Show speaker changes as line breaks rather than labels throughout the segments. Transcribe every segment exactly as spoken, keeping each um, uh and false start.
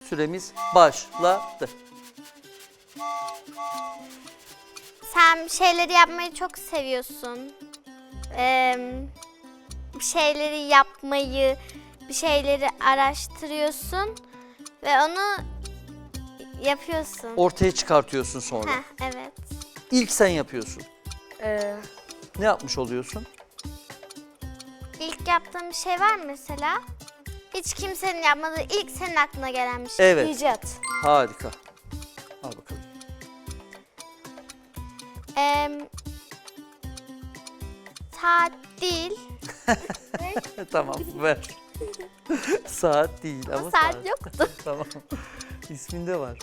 Süremiz başladı.
Sen bir şeyleri yapmayı çok seviyorsun. Ee, bir şeyleri yapmayı, bir şeyleri araştırıyorsun ve onu yapıyorsun.
Ortaya çıkartıyorsun sonra.
Heh, evet.
İlk sen yapıyorsun.
Ee,
Ne yapmış oluyorsun?
İlk yaptığın bir şey var mı mesela? Hiç kimsenin yapmadığı, ilk senin aklına gelen bir şey.
Evet.
icat.
Harika. Al bakalım.
Ee, tatil.
Tamam ver. Saat değil ama,
Ama saat yoktu.
Tamam. İsminde var.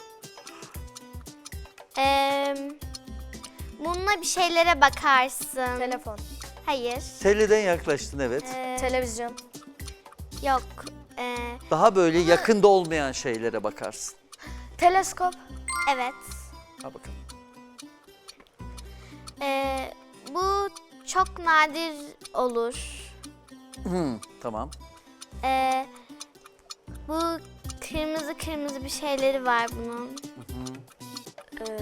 Ee, bununla bir şeylere bakarsın.
Telefon.
Hayır.
Teleden yaklaştın evet.
Ee,
Televizyon.
yok. Ee,
Daha böyle yakında olmayan şeylere bakarsın.
Teleskop.
evet.
Al bakalım.
Ee, bu çok nadir olur.
Hmm, tamam.
Ee, bu kırmızı kırmızı bir şeyleri var bunun.
Ee,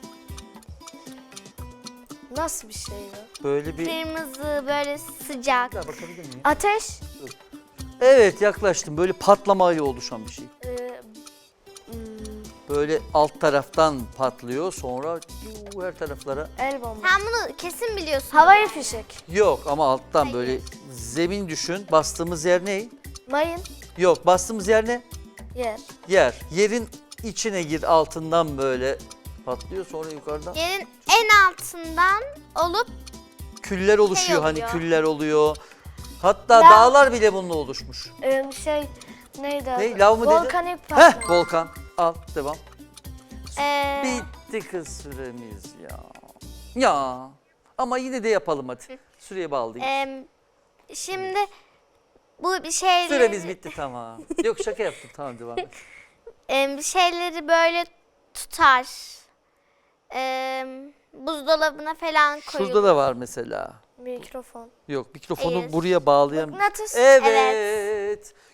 nasıl bir şey bu?
Böyle bir...
Kırmızı, böyle sıcak.
Bir daha bakabilir miyim?
Ateş.
Evet yaklaştım. Böyle patlamayla oluşan bir şey.
Ee, hmm,
Böyle alt taraftan patlıyor sonra yuu, her taraflara.
el bombası.
Sen bunu kesin biliyorsun.
Havai fişek.
Yok ama alttan
Hayır.
böyle zemin düşün. Bastığımız yer ne?
Mayın.
Yok bastığımız yer ne?
Yer.
Yer. Yerin içine gir altından böyle patlıyor sonra yukarıdan.
Yerin en altından olup
Küller oluşuyor hani
oluyor.
küller oluyor. Hatta
Lav.
dağlar bile bununla oluşmuş.
Ee, şey neydi adı?
Ne? Lav mı dedi?
Volkanik patlama.
Heh volkan. Al devam.
ee,
Bitti kız süremiz ya. Ya. Ama yine de yapalım hadi. Süreye bağlıyız.
ee, şimdi bu bir şeyleri,
Süremiz bitti tamam. Yok şaka yaptım tamam devam et.
ee, bir şeyleri böyle tutar. Ee, buzdolabına falan koyulur.
Şurada da var mesela.
Mikrofon.
Yok mikrofonu
Hayır.
buraya bağlayan.
Mıknatıs.
Evet.
Evet.